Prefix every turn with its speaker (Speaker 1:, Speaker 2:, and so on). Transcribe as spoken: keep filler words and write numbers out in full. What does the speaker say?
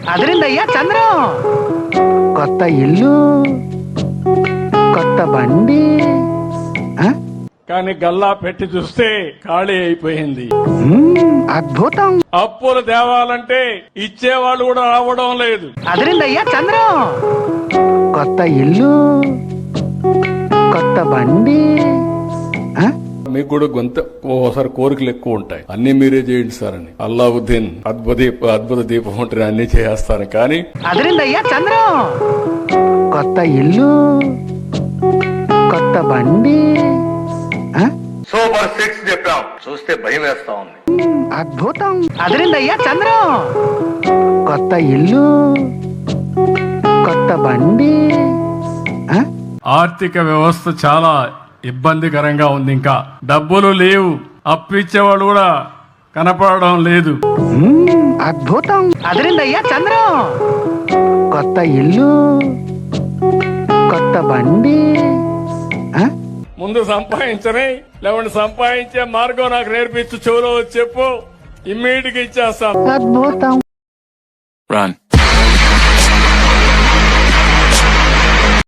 Speaker 1: అదిరిందయ్యా చంద్రం. కొత్త ఇల్లు, కొత్త బండి.
Speaker 2: కానీ గల్లా పెట్టి చూస్తే ఖాళీ అయిపోయింది.
Speaker 1: అద్భుతం.
Speaker 2: అప్పులు తేవాలంటే ఇచ్చేవాళ్ళు కూడా రావడం లేదు.
Speaker 1: అదిరిందయ్యా చంద్రం. కొత్త ఇల్లు, కొత్త బండి.
Speaker 2: మీకు కూడా గొంత ఓసారి కోరికలు ఎక్కువ ఉంటాయి, అన్ని మీరే చేయండి సార్ అని. అల్లావుద్దీన్ అద్భుత అద్భుత దీపం ఉంటుంది, అన్ని చేస్తాను. కానీ
Speaker 1: అదిరిందయ్యా చంద్రం. కొత్త ఇల్లు, కొత్త బండి.
Speaker 3: సూపర్ సిక్స్ చెప్పాం, చూస్తే భయం వేస్తా ఉంది.
Speaker 1: అద్భుతం. అదిరిందయ్యా చంద్రం. కొత్త ఇల్లు, కొత్త బండి.
Speaker 2: ఆర్థిక వ్యవస్థ చాలా ఇబ్బందికరంగా ఉంది. ఇంకా డబ్బులు లేవు, అప్పు ఇచ్చేవాళ్ళు కూడా కనపడడం లేదు.
Speaker 1: అద్భుతం. అదిరిందయ్యా చంద్రం. కొత్త ఇల్లు, కొత్త బండి.
Speaker 2: ముందు సంపాదించని, లేవండి సంపాదించే మార్గం నాకు నేర్పించు, చెవులో చెప్పు, ఇమ్మీడియట్ గా ఇచ్చేస్తాను.
Speaker 1: అద్భుతం.
Speaker 4: Run.